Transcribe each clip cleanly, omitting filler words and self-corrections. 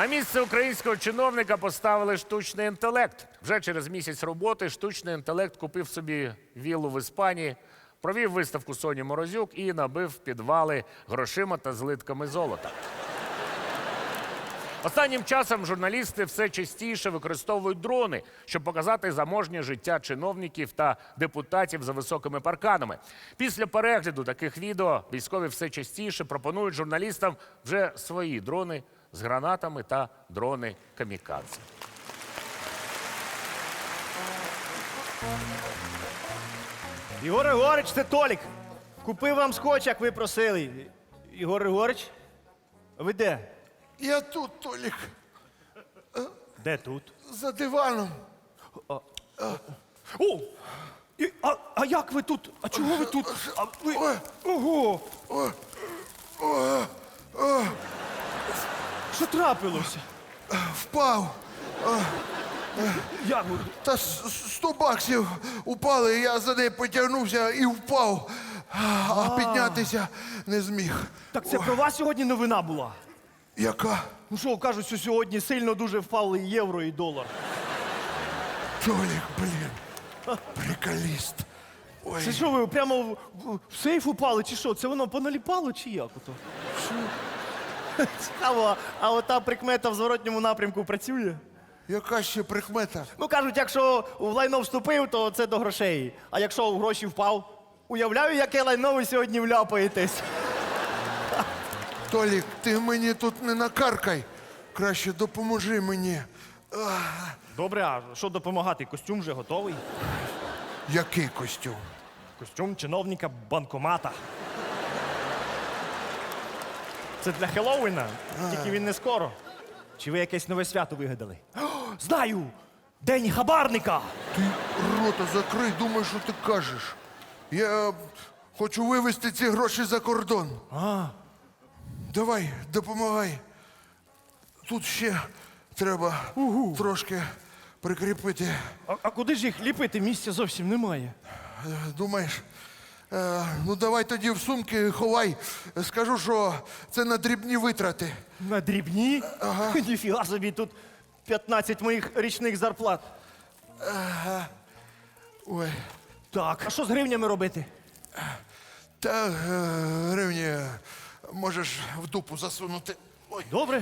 На місце українського чиновника поставили штучний інтелект. Вже через місяць роботи штучний інтелект купив собі віллу в Іспанії, провів виставку Соні Морозюк і набив підвали грошима та злитками золота. Останнім часом журналісти все частіше використовують дрони, щоб показати заможнє життя чиновників та депутатів за високими парканами. Після перегляду таких відео військові все частіше пропонують журналістам вже свої дрони з гранатами та дрони камікадзе. Ігор Григорич, це Толік. Купив вам скотч, як ви просили. Ігор Григорич, ви де? Я тут, Толік, Де тут? за диваном. О! А як ви тут? А чого ви тут? А ви... Ого! Що трапилося? Впав. Як ви? Та 100 баксів упали, я за неї потягнувся і впав. А піднятися не зміг. Так це про вас сьогодні новина була? Яка? Ну що, кажуть, що сьогодні сильно дуже впали і євро, і долар. Толік, блін. Приколіст. Ой. Це що, ви прямо в сейф упали, чи що? Це воно поналіпало, чи як ото? Цікаво, а ота прикмета в зворотньому напрямку працює? Яка ще прикмета? Ну, кажуть, якщо в лайно вступив, то це до грошей. А якщо в гроші впав, уявляю, яке лайно ви сьогодні вляпаєтесь. Толік, ти мені тут не накаркай. Краще допоможи мені. Добре, а що допомагати? Костюм вже готовий? Який костюм? Костюм чиновника банкомата. Це для Хеллоуіна, тільки він не скоро. Чи ви якесь нове свято вигадали? О, знаю! День хабарника! Ти рота закрий, думай, що ти кажеш. Я хочу вивезти ці гроші за кордон. Давай, допомагай. Тут ще треба трошки прикріпити. А куди ж їх ліпити? Місця зовсім немає. Думаєш? Ну давай тоді в сумки ховай. Скажу, що це на дрібні витрати. На дрібні? Ага. Ніфіга собі, тут 15 моїх річних зарплат. Ой. Так, а що з гривнями робити? Та гривні можеш в дупу засунути. Ой. Добре.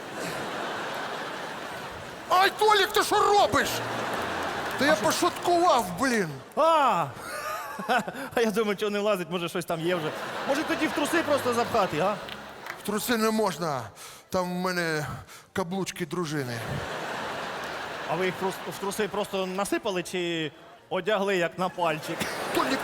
Ай, Толік, ти що робиш? Та я пошуткував, блін. А я думаю, чого не влазить, може щось там є вже. Може тоді в труси просто запхати, а? В труси не можна. Там в мене каблучки дружини. А ви їх в труси просто насипали чи одягли як на пальчик? Толік!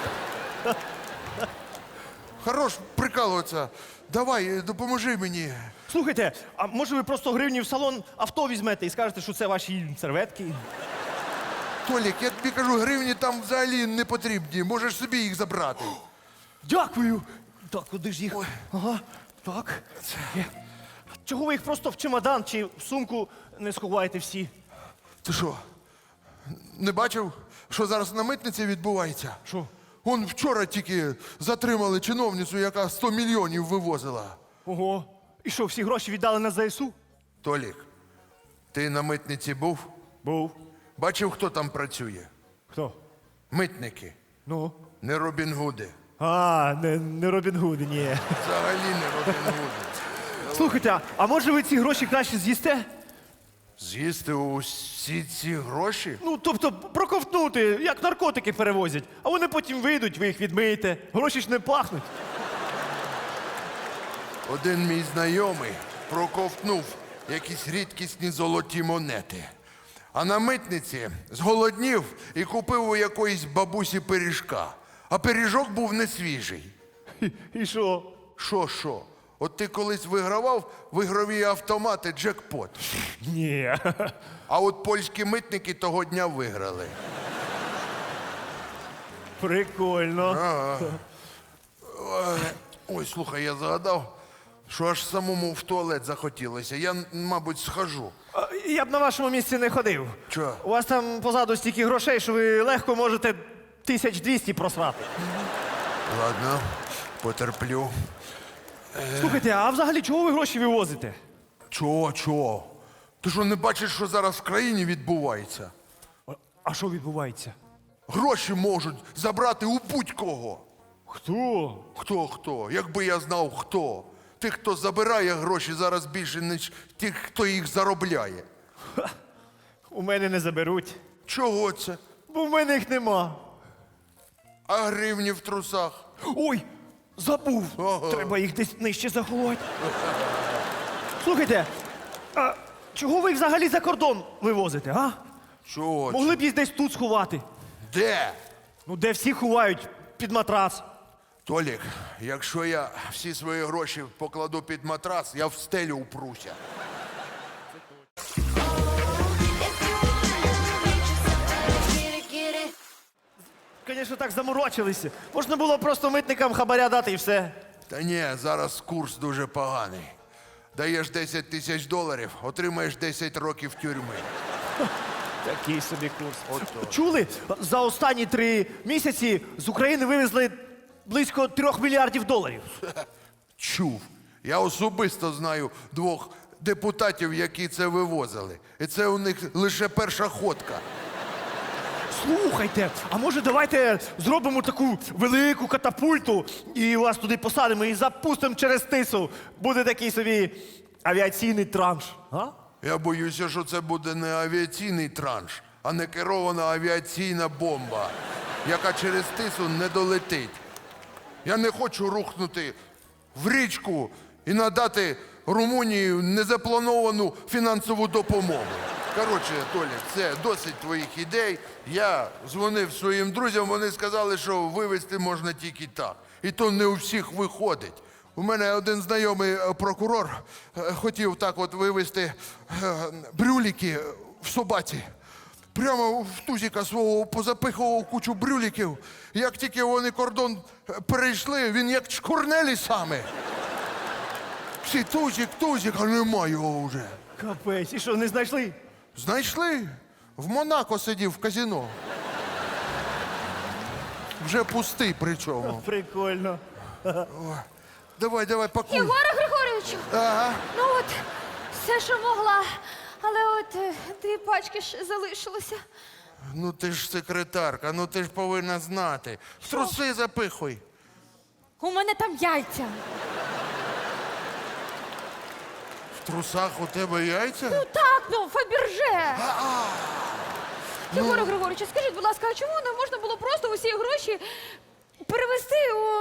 Хорош прикалуватися. Давай, допоможи мені. Слухайте, а може ви просто гривні в салон авто візьмете і скажете, що це ваші серветки? Толік, я тобі кажу, гривні там взагалі не потрібні. Можеш собі їх забрати. Дякую. Так, куди ж їх? Ага, так. Є. Чого ви їх просто в чемодан чи в сумку не сховаєте всі? Ти що, не бачив, що зараз на митниці відбувається? Що? Он вчора тільки затримали чиновницю, яка 100 мільйонів вивозила. Ого. І що, всі гроші віддали на ЗСУ? Толік, ти на митниці був? Був. Бачив, хто там працює? Хто? Митники, Ну. не Робін Гуди. А, не Робін Гуд, ні. Взагалі не Робін Гуди. Слухайте, а може ви ці гроші краще з'їсте? З'їсти усі ці гроші? Ну, тобто проковтнути, як наркотики перевозять. А вони потім вийдуть, ви їх відмиєте. Гроші ж не пахнуть. Один мій знайомий проковтнув якісь рідкісні золоті монети. А на митниці зголоднів і купив у якоїсь бабусі пиріжка. А пиріжок був не свіжий. І що? Що? От ти колись вигравав в ігрові автомати джекпот. Ні. А от польські митники того дня виграли. Прикольно. Ой, слухай, я згадав, що аж самому в туалет захотілося. Я, мабуть, схожу. Я б на вашому місці не ходив. Чого? У вас там позаду стільки грошей, що ви легко можете 1200 просрати. Ладно, потерплю. Слухайте, а взагалі чого ви гроші вивозите? Чого? Ти що, не бачиш, що зараз в країні відбувається? А що відбувається? Гроші можуть забрати у будь-кого. Хто? Хто? Якби я знав, хто. Тих, хто забирає гроші, зараз більше, ніж тих, хто їх заробляє. У мене не заберуть, Чого це? бо в мене їх нема. А гривні в трусах? Ой, забув. Ага. Треба їх десь нижче заховати. Слухайте, а чого ви їх взагалі за кордон вивозите, а? Чого? Могли б їх десь тут сховати. Де? Ну, де всі ховають під матрас. Толік, якщо я всі свої гроші покладу під матрас, я в стелю упруся. Звісно, так заморочилися. Можна було просто митникам хабаря дати і все. Та ні, зараз курс дуже поганий. Даєш 10 тисяч доларів, отримаєш 10 років тюрми. Такий собі курс. Ото. Чули? За останні 3 місяці з України вивезли близько 3 мільярдів доларів. Чув. Я особисто знаю 2 депутатів, які це вивозили. І це у них лише перша ходка. Слухайте, а може давайте зробимо таку велику катапульту і вас туди посадимо і запустимо через тису. Буде такий собі авіаційний транш. А? Я боюся, що це буде не авіаційний транш, а не керована авіаційна бомба, яка через тису не долетить. Я не хочу рухнути в річку і надати Румунії незаплановану фінансову допомогу. Коротше, Толік, це досить твоїх ідей. Я дзвонив своїм друзям, вони сказали, що вивезти можна тільки так. І то не у всіх виходить. У мене один знайомий прокурор хотів так от вивезти брюліки в собаці. Прямо в тузіка свого позапихував кучу брюліків. Як тільки вони кордон перейшли, він як чкурнелі саме. Всі тузік, а нема його вже. Капець, і що, не знайшли? Знайшли? В Монако сидів в казино. Вже пустий причому. Прикольно. Давай, пакуй. Єгоре Григоровичу, Ага. ну от все, що могла. Але от 2 пачки ще залишилося. Ну ти ж секретарка, ну ти ж повинна знати. В труси запихуй. У мене там яйця. В трусах у тебе яйця? Ну так, Фаберже. Єгоре Григоровичу, скажіть, будь ласка, а чому не можна було просто усі гроші перевести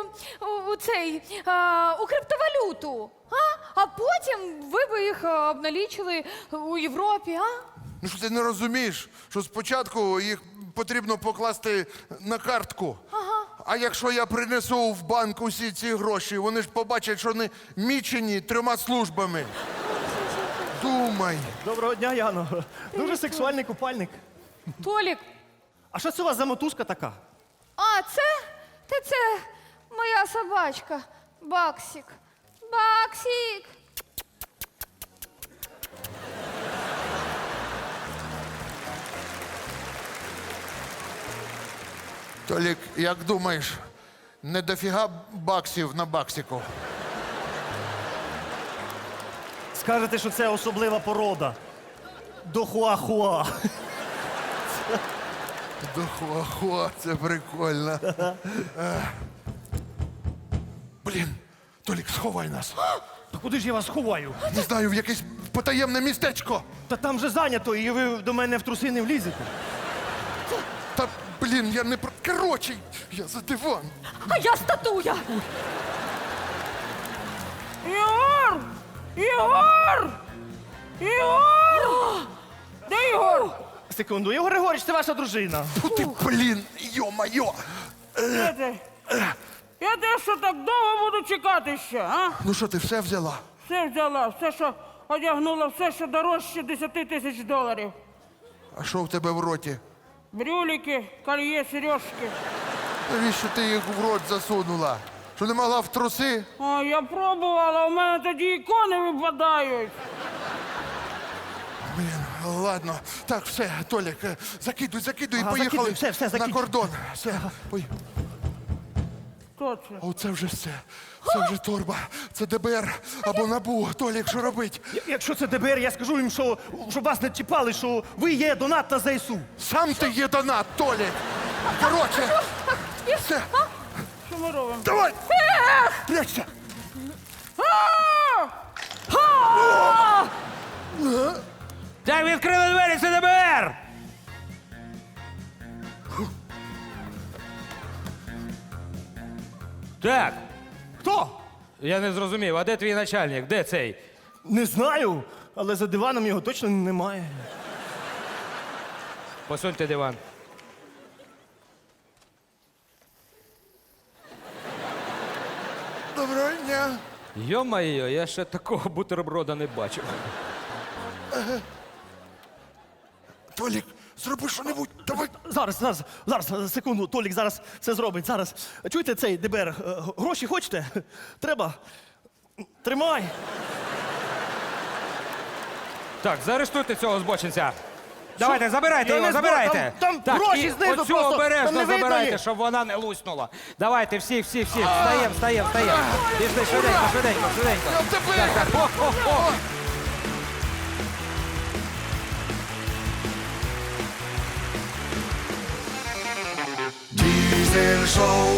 у криптовалюту? А потім ви би їх обналічили у Європі, а? Ну що ти не розумієш, що спочатку їх потрібно покласти на картку. Ага. А якщо я принесу в банк усі ці гроші, вони ж побачать, що вони мічені 3 службами. Думай. Доброго дня, Яно. Дуже сексуальний купальник. Толік, А що це у вас за мотузка така? а це? Це моя собачка. Баксік. Баксік. Толік, як думаєш, не дофіга баксів на баксику? Скажете, що це особлива порода. Дохуахуа. Дохуахуа, це прикольно. Блін, Толік, сховай нас. Та куди ж я вас ховаю? Не знаю, в якесь потаємне містечко. Та там же зайнято, і ви до мене в труси не влізете. Та, блін, я не про... Короче, я за диван. А я статуя. Ігор! Ігор! Ігор! Де Ігор? Секунду, Ігор Григорійович, це ваша дружина. Фу ти, блін, йо-майо. Де ти? Я те, що так довго буду чекати ще, а? Ну що, ти все взяла? Все взяла, все, що одягнула, все, що дорожче 10 тисяч доларів. А що в тебе в роті? Брюліки, кольє, сережки. Навіщо ти їх в рот засунула? Що не могла в труси? О, я пробувала, у мене тоді ікони випадають. Блін, ладно. Так, все, Толік, закидуй і Ага, поїхали закидуй, все, на закидуй. кордон. Все, ой. Хто це? Оце вже все. Це вже торба. Це ДБР або НАБУ. Толік, що робить? Якщо це ДБР, я скажу їм, що щоб вас не чіпали, що ви є донат на ЗСУ. Сам ти є донат, Толік. Коротше, все. Що ми робимо? Давай! Прячься! Так, відкрили двері, це ДБР! Так, Хто? я не зрозумів, а де твій начальник? Де цей? Не знаю, але за диваном його точно немає. Посуньте диван. Доброго дня. Йо-майо, я ще такого бутерброда не бачив. Толік, зроби що-небудь. Давай. Зараз, секунду, Толік зараз все зробить. Зараз. Чуєте цей ДБР? Гроші хочете? Треба? Тримай. Так, заарештуйте цього збочинця. Давайте, забирайте Я його, не збор- забирайте. там так, гроші і знизу оцю просто, там обережно не видно забирайте, їх. щоб вона не луснула. Давайте, всі. Встаємо. Пішли, швиденько. Так, о. Дізель шоу